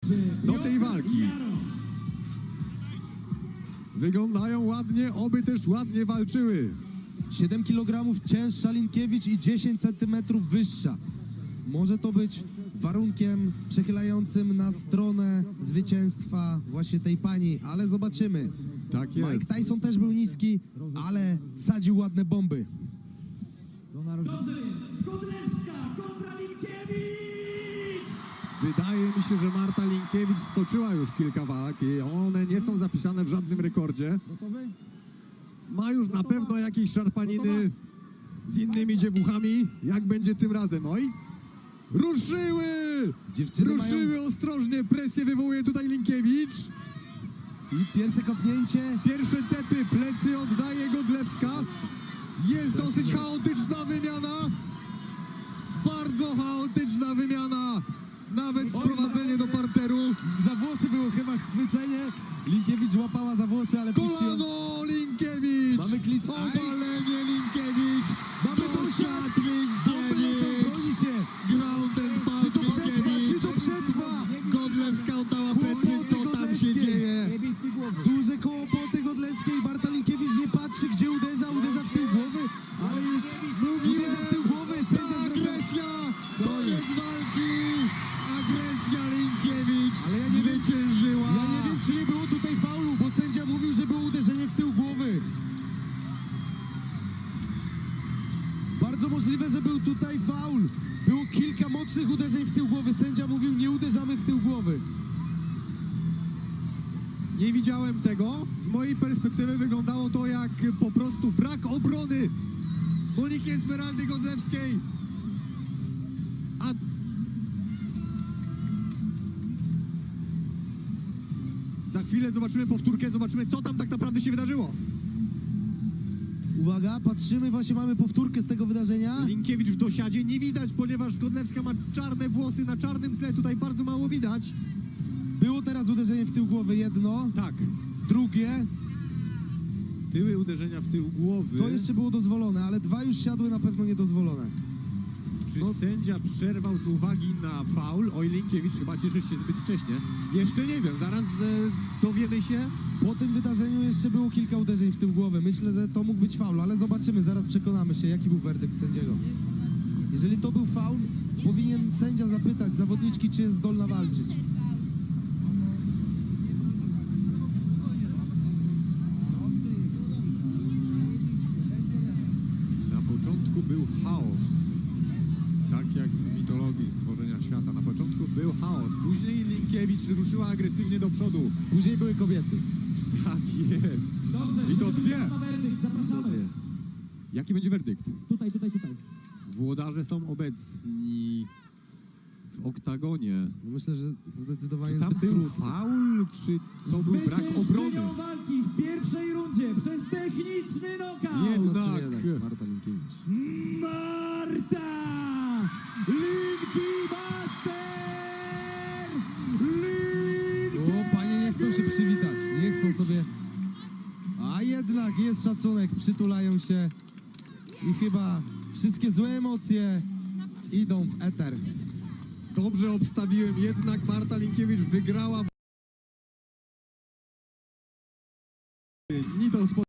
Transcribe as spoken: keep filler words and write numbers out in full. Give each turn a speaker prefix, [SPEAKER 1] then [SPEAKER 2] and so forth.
[SPEAKER 1] do tej walki. Wyglądają ładnie, oby też ładnie walczyły.
[SPEAKER 2] siedem kilogramów cięższa Linkiewicz i dziesięć centymetrów wyższa. Może to być warunkiem przechylającym na stronę zwycięstwa właśnie tej pani, ale zobaczymy.
[SPEAKER 1] Tak jest.
[SPEAKER 2] Mike Tyson też był niski, ale sadził ładne bomby.
[SPEAKER 3] Dobrze więc, Godlewska kontra Linkiewicz!
[SPEAKER 1] Wydaje mi się, że Marta Linkiewicz stoczyła już kilka walk i one nie są zapisane w żadnym rekordzie. Ma już na pewno jakieś szarpaniny z innymi dziewuchami. Jak będzie tym razem? Oj! Ruszyły!
[SPEAKER 2] Dziewczyny
[SPEAKER 1] Ruszyły
[SPEAKER 2] mają...
[SPEAKER 1] ostrożnie, presję wywołuje tutaj Linkiewicz.
[SPEAKER 2] I pierwsze kopnięcie.
[SPEAKER 1] Pierwsze cepy, plecy oddaje Godlewska. Jest dosyć chaotyczna wymiana. Bardzo chaotyczna wymiana. Nawet sprowadzenie do parteru.
[SPEAKER 2] Za włosy było chyba chwycenie. Linkiewicz łapała za włosy, ale puściła.
[SPEAKER 1] Kolano Linkiewicz.
[SPEAKER 2] Mamy klicz.
[SPEAKER 1] Obalenie Linkiewicz.
[SPEAKER 2] Mamy dosiad. Bomby lecą, broni się.
[SPEAKER 1] Ground and pound
[SPEAKER 2] Czy to przetrwa?
[SPEAKER 1] Linkiewicz.
[SPEAKER 2] Czy to przetrwa?
[SPEAKER 1] Godlewska oddała plecy.
[SPEAKER 2] Kłopoty
[SPEAKER 1] Co tam się
[SPEAKER 2] Godlewskiej.
[SPEAKER 1] dzieje?
[SPEAKER 2] Duże kłopoty Godlewskiej. Marta Linkiewicz nie patrzy, gdzie uderza. Uderza w tył głowy, ale już uderza w tył głowy. Sędzia zwraca...
[SPEAKER 1] Agresja. Koniec walki. Agresja Linkiewicz
[SPEAKER 2] Ale ja nie wiem,
[SPEAKER 1] zwyciężyła.
[SPEAKER 2] ja nie wiem, czy nie było tutaj faulu, bo sędzia mówił, że było uderzenie w tył głowy. Bardzo możliwe, że był tutaj faul. Było kilka mocnych uderzeń w tył głowy. Sędzia mówił, nie uderzamy w tył głowy.
[SPEAKER 1] Nie widziałem tego. Z mojej perspektywy wyglądało to jak po prostu brak obrony Moniki Esmeraldy Godlewskiej. A za chwilę zobaczymy powtórkę, zobaczymy, co tam tak naprawdę się wydarzyło.
[SPEAKER 2] Uwaga, patrzymy, właśnie mamy powtórkę z tego wydarzenia.
[SPEAKER 1] Linkiewicz w dosiadzie nie widać, ponieważ Godlewska ma czarne włosy na czarnym tle. Tutaj bardzo mało widać.
[SPEAKER 2] Było teraz uderzenie w tył głowy, jedno.
[SPEAKER 1] Tak,
[SPEAKER 2] Drugie,
[SPEAKER 1] były uderzenia w tył głowy.
[SPEAKER 2] to jeszcze było dozwolone, ale dwa już siadły na pewno niedozwolone.
[SPEAKER 1] Czy
[SPEAKER 2] no-
[SPEAKER 1] sędzia przerwał z uwagi na faul? Oj, Linkiewicz chyba cieszy się zbyt wcześnie. Jeszcze nie wiem, zaraz e, dowiemy się.
[SPEAKER 2] Po tym wydarzeniu jeszcze było kilka uderzeń w tył głowy. Myślę, że to mógł być faul, ale zobaczymy, zaraz przekonamy się, jaki był werdykt sędziego. Jeżeli to był faul, powinien sędzia zapytać zawodniczki, czy jest zdolna walczyć.
[SPEAKER 1] Na początku był chaos. Tak jak w mitologii stworzenia świata. Na początku był chaos. Później Linkiewicz ruszyła agresywnie do przodu.
[SPEAKER 2] Później były kobiety.
[SPEAKER 1] Tak jest.
[SPEAKER 3] Dobrze,
[SPEAKER 1] I to
[SPEAKER 3] wszyscy
[SPEAKER 1] dwie.
[SPEAKER 3] czas na werdykt, zapraszamy.
[SPEAKER 1] Jaki będzie werdykt?
[SPEAKER 3] Tutaj, tutaj, tutaj.
[SPEAKER 1] Włodarze są obecni w oktagonie.
[SPEAKER 2] No myślę, że zdecydowanie
[SPEAKER 1] Czy tam
[SPEAKER 2] zbyt
[SPEAKER 1] był
[SPEAKER 2] krótko.
[SPEAKER 1] faul, czy to był brak obrony?
[SPEAKER 3] Zwyciężczynią walki w pierwszej rundzie przez techniczny knockout.
[SPEAKER 1] Jednak.
[SPEAKER 2] No, czy jednak Marta Linkiewicz.
[SPEAKER 3] Marta Linki Master! Linkiewicz!
[SPEAKER 2] O, panie nie chcą się przywitać, nie chcą sobie... A jednak jest szacunek, przytulają się i chyba wszystkie złe emocje idą w eter.
[SPEAKER 1] Dobrze obstawiłem, jednak Marta Linkiewicz wygrała.